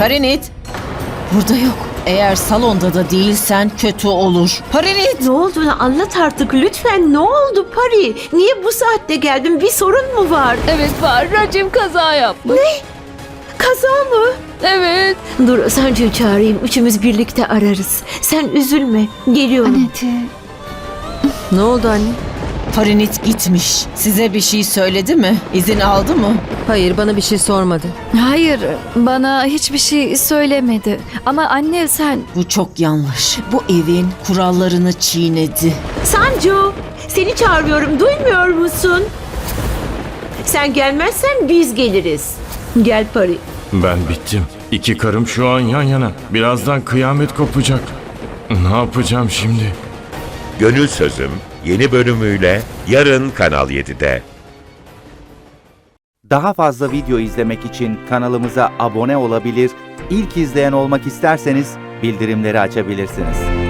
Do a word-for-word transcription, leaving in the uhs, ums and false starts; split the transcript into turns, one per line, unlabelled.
Parinit! Burada yok. Eğer salonda da değilsen kötü olur. Parinit!
Ne olduğunu anlat artık lütfen. Ne oldu Pari? Niye bu saatte geldin? Bir sorun mu var?
Evet var. Racim kaza yapmış.
Kaza mı?
Evet.
Dur Sancu'yu çağırayım. Üçümüz birlikte ararız. Sen üzülme. Geliyorum.
Anneciğim.
Ne oldu anne?
Parinit gitmiş. Size bir şey söyledi mi? İzin aldı mı?
Hayır, bana bir şey sormadı.
Hayır, bana hiçbir şey söylemedi. Ama anne sen...
Bu çok yanlış. Bu evin kurallarını çiğnedi.
Sancu, seni çağırıyorum. Duymuyor musun? Sen gelmezsen biz geliriz. Gel Pari.
Ben bittim. İki karım şu an yan yana. Birazdan kıyamet kopacak. Ne yapacağım şimdi?
Gönül Sözüm yeni bölümüyle yarın Kanal yedide.
Daha fazla video izlemek için kanalımıza abone olabilir, ilk izleyen olmak isterseniz bildirimleri açabilirsiniz.